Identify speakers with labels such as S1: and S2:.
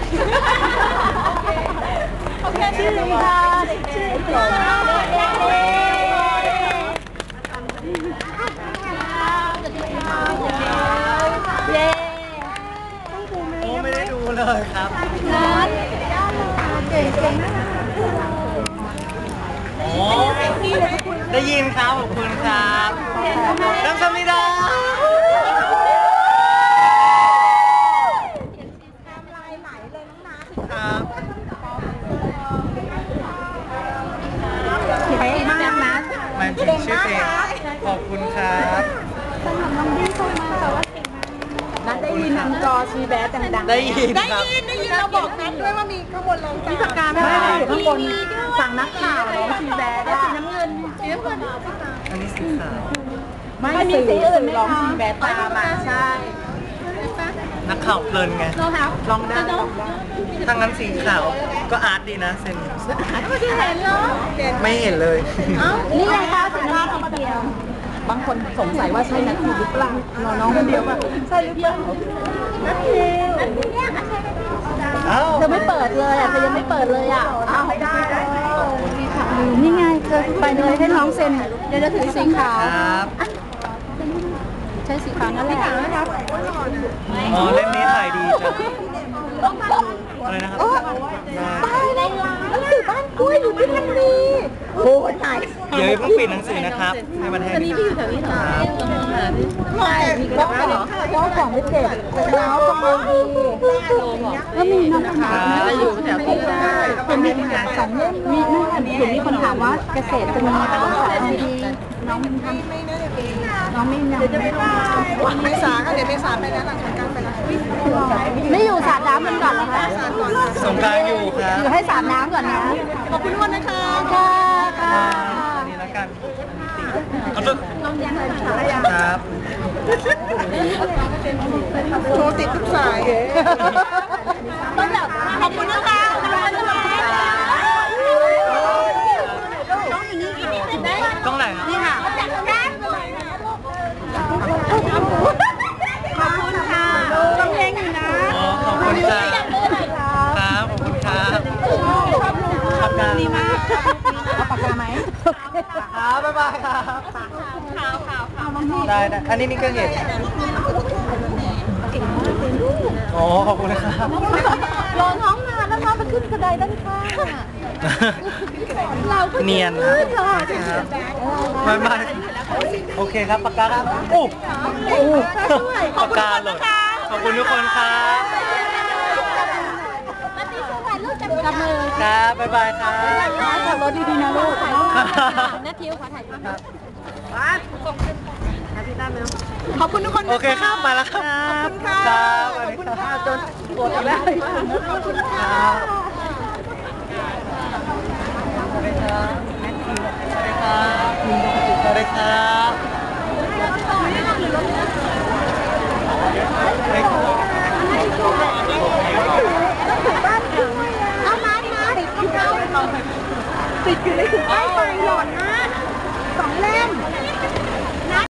S1: โอเคชื่อค่ะชื่อค่ะเย้
S2: โอ้ไม่ได้ดูเลยครับ
S1: เก่งมาก
S2: โอ้ได้ยินครับขอบคุณครับน้ำสมิดาครับ
S1: ไปมากนะ
S2: มันจริงชื่อเพลงขอบคุณครับ
S1: นัดได้ยินทางจอชีแบดดังๆ
S2: ได้ยินครับ
S3: ได้ยินเราบอกนัดด้วยว่ามีข้างบนลงมีปากกาไหม
S1: ไม่อยู่ข้างบนฝั่งนักข่าวน้องชีแบดสีน้ำเงิน
S2: อันนี้สีขาว
S1: ไม่มีสีอื่นร้องชีแบดตามมาใช่
S2: นักข่าวเพลินไง
S1: ลองได้
S2: ถ้างั้นสีขาวก็อาร์ตดีนะเซน
S1: ไม่ได้เห็นเหรอ
S2: ไม่เห็นเลย
S1: นี่ไงคะสีน้ำคนเดียวบางคนสงสัยว่าใช่นัททิวหรือเปล่าน้องคนเดียวป่ะใช่หรือเปล่านัททิวเธอไม่เปิดเลยอ่ะเธอยังไม่เปิดเลยอ่ะอ้าวไม่ได้นี่ไงเธอไปเลยให้น้องเซ็นเดี๋ยวจะถือสีขาว
S2: ครับ
S1: ใช้สีขาวนั่นแหละ
S2: อ๋อเล่มนี้ถ่ายดีจังอะไรนะครับ
S1: ตายเลยหนังสือบ้านกล้วยอยู่ที่นั่นดีโอ้ยตาย
S2: เดี๋ยวเพิ่งปิดหนังสือนะครับให้มันแห้งนี้พี่อยู่แถวนี้เหรอ
S1: ใช่มีกระเป๋าเจ้าของไม่เจ็บแล้วก็มือดีก็มีน้องถามจะอยู่แถวที่คนมีงานสองเล่มมีนั่นอันนี้มีคนถามว่าเกษตรจะมีภาษาดีน้องไม่ยัง
S3: เมษาก็เดี๋ยวเมษาไปแล้วหลังสงกรานต์ไปแล้ว
S1: ไม่อยู่สาดน้ำมันก่อนเหรอคะ
S2: สงกรานต์อยู่ครับ
S1: อยู่ให้สาดน้ำก่อนนะ
S3: ขอบคุณทุกคนนะคะ
S1: ค่ะ
S2: นี่แล้วกันเอาตุ๊กครับ
S3: โทรติดทุกสายขอบคุณนะคะ
S2: ต้องไหนครับ
S1: นี่ค่ะขอบคุณค่ะต้องเพลงอยู่นะ
S2: ขอบคุณครับครับขอบคุณครับปากกาดีมาก
S1: เอาปากกาไหม
S2: ครับบ๊ายบายครับได้อันนี้นี่ก็เห็นอ๋อขอบคุณครับ
S1: รอน้องนานแล้วน้องไปขึ้นกระไดด้านข้างเราก็
S2: เนียนครับบ๊ายบายโอเคครับปากกาครับปากกาเลยขอบคุณทุกคนครับ
S1: จับมือ
S2: ครับบ๊ายบายครับ
S1: ขับรถดีๆนะลูกนัททิวขอถ่ายรูป
S3: ขอบคุณทุกคน
S2: โอเคครับมาแล้วครับ
S3: ขอบคุณค่ะ
S2: ขอบคุณค่ะ
S1: จนปวดแล้ว
S3: ขอบคุณค่ะ
S2: สวัสดีครับสวัสดีครับ
S1: เอามาติดอยู่ในถุงป้ายไฟหล่นนะ2 เล่ม